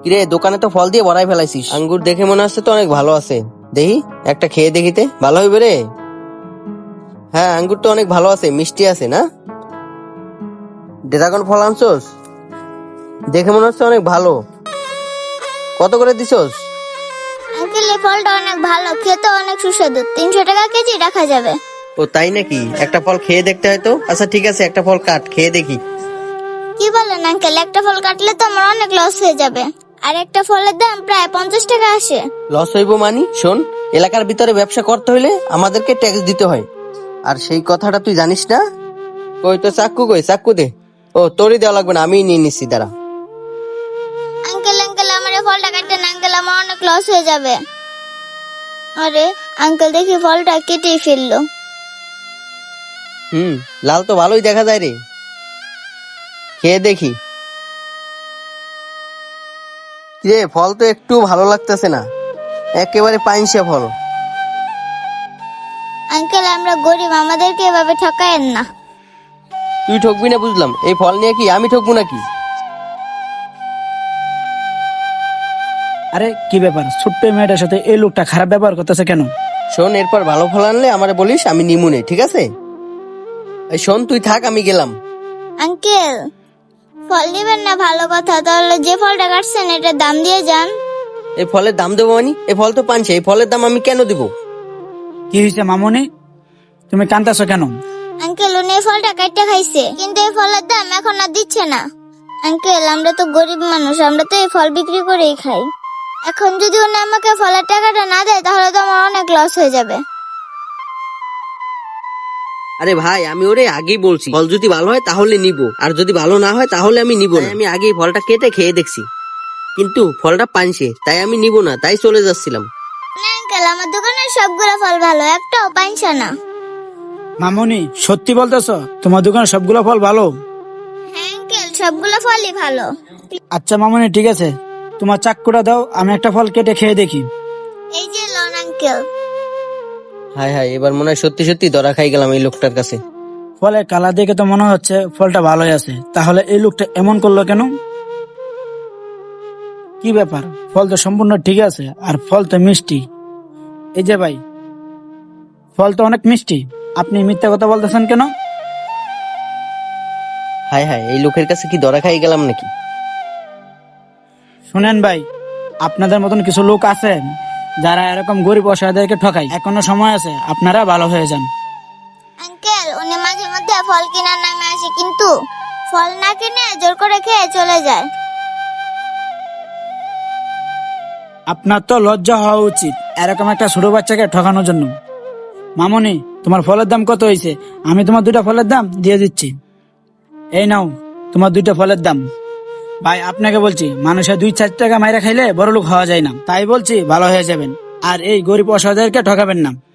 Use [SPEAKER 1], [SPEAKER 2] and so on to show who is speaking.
[SPEAKER 1] কিরে, দোকানে তো ফল দিয়ে ভরাই ফেলাইছিস। আঙ্গুর দেখে মনে হচ্ছে তো অনেক ভালো আছে। দেখি একটা খেয়ে দেখিতে, ভালো হইবে রে। হ্যাঁ, আঙ্গুর তো অনেক ভালো আছে, মিষ্টি আছে না? ড্রাগন ফল আনছোস? দেখে মনে হচ্ছে অনেক ভালো। কত করে দিছস?
[SPEAKER 2] আঙ্কেল এই ফলটা অনেক ভালো, খেতে অনেক সুস্বাদু। 300 টাকা কেজি রাখা যাবে।
[SPEAKER 1] ও তাই নাকি? একটা ফল খেয়ে দেখতে হয় তো। আচ্ছা ঠিক আছে, একটা ফল কাট, খেয়ে দেখি।
[SPEAKER 2] কি বলেন আঙ্কেল, একটা ফল কাটলে তো আমার অনেক লস হয়ে যাবে। আর একটা ফলের দাম প্রায় 50 টাকা আসে।
[SPEAKER 1] লস হইব মানি? শোন, এলাকার ভিতরে ব্যবসা করতে হইলে আমাদেরকে ট্যাক্স দিতে হয়। আর সেই কথাটা তুই জানিস না? কই তো চাক্কু, কই চাক্কু দে। ও তোরই দেওয়া লাগবে না, আমি নিয়ে নিচ্ছি, দাঁড়া।
[SPEAKER 2] আঙ্কেল আঙ্কেল আমার এই ফলটা কাটতে না, আঙ্কেল আমার অনেক লস হয়ে যাবে। আরে আঙ্কেল দেখি ফলটা কেটেই ফেললো।
[SPEAKER 1] লাল তো ভালোই দেখা যায় রে, খেয়ে দেখি। রে, ফল তো একটু ভালো লাগতেছে না, একেবারে পাইনসা ফল।
[SPEAKER 2] আঙ্কেল আমরা গরিব, আমাদেরকে এভাবে ঠকায়েন না।
[SPEAKER 1] তুই ঠকবি না বুঝলাম, এই ফল নিয়ে কি আমি ঠকবো নাকি?
[SPEAKER 3] আরে কি ব্যাপার, ছোট্ট এই মেয়েটার সাথে এই লোকটা খারাপ ব্যবহার করতেছে কেন?
[SPEAKER 1] শোন, এরপর ভালো ফল আনলে আমারে বলিস, আমি নিমুনে, ঠিক আছে? এই শোন, তুই থাক, আমি গেলাম।
[SPEAKER 2] আঙ্কেল ফল দিবেন না ভালো কথা, তাহলে যে ফলটা কাটছেন এটার দাম দিয়ে যান।
[SPEAKER 1] এই ফলের দাম দেবো মানে? এই ফল তো পানছে, এই ফলের দাম আমি কেন দিব?
[SPEAKER 3] কি হয়েছে মামুনি, তুমি কান্দাছো কেন?
[SPEAKER 2] আঙ্কেল উনি এই ফলটা কাটতে খাইছে, কিন্তু এই ফলের দাম এখন আর দিচ্ছে না। আঙ্কেল আমরা তো গরিব মানুষ, আমরা তো এই ফল বিক্রি করেই খাই। এখন যদি উনি আমাকে ফলের টাকাটা না দেয় তাহলে তো আমার অনেক লস হয়ে যাবে।
[SPEAKER 1] আরে ভাই, আমি ওরে আগেই বলছি, ফল যদি ভালো হয় তাহলে নিব, আর যদি ভালো না হয় তাহলে আমি নিব না। আমি আগেই ফলটা কেটে খেয়ে দেখছি, কিন্তু ফলটা পানছে, তাই আমি নিব না, তাই চলে যাচ্ছিলাম।
[SPEAKER 2] না আঙ্কেল আমার দোকানের সবগুলো ফল ভালো, একটাও পাইছে না।
[SPEAKER 3] মামুনি সত্যি বলতেছো তোমার দোকানে সবগুলো ফল ভালো?
[SPEAKER 2] হ্যাঁ আঙ্কেল সবগুলো ফলই ভালো।
[SPEAKER 3] আচ্ছা মামুনি ঠিক আছে, তোমার চাক্কুটা দাও, আমি একটা ফল কেটে খেয়ে দেখি।
[SPEAKER 2] এই যে লন আঙ্কেল।
[SPEAKER 1] হায় হায়, এবার মনে হয় সত্যি সত্যি ধরা খাই গেলাম এই লোকটার কাছে।
[SPEAKER 3] ফলের কালার দেখে তো মনে হচ্ছে ফলটা ভালোই আছে, তাহলে এই লোকটা এমন করলো কেন? কি ব্যাপার, ফল তো সম্পূর্ণ ঠিক আছে, আর ফল তো মিষ্টি। এই যে ভাই, ফল তো অনেক মিষ্টি, আপনি মিথ্যা কথা বলতেছেন কেন?
[SPEAKER 1] হায় হায়, এই লোকের কাছে কি ধরা খাই গেলাম নাকি?
[SPEAKER 3] শুনেন ভাই, আপনাদের মতন কিছু লোক আছে যারা এরকম গরিব অসহায়দেরকে ঠকায়। এখনো সময় আছে, আপনারা ভালো হয়ে যান।
[SPEAKER 2] আঙ্কেল উনি মাঝে মধ্যে ফল কেনার নামে আসে, কিন্তু ফল না কিনে জোর করে খেয়ে চলে যায়।
[SPEAKER 3] আপনার তো লজ্জা হওয়া উচিত এরকম একটা ছোট বাচ্চাকে ঠকানোর জন্য। মামুনি তোমার ফলের দাম কত হয়েছে? আমি তোমার 2টা ফলের দাম দিয়ে দিচ্ছি। এই নাও তোমার 2টা ফলের দাম। ভাই আপনাকে বলছি, মানুষের 2-4 টাকা মাইরা খাইলে বড় লোক হওয়া যায় না, তাই বলছি ভালো হয়ে যাবেন, আর এই গরিব অসহায়দেরকে ঠকাবেন না।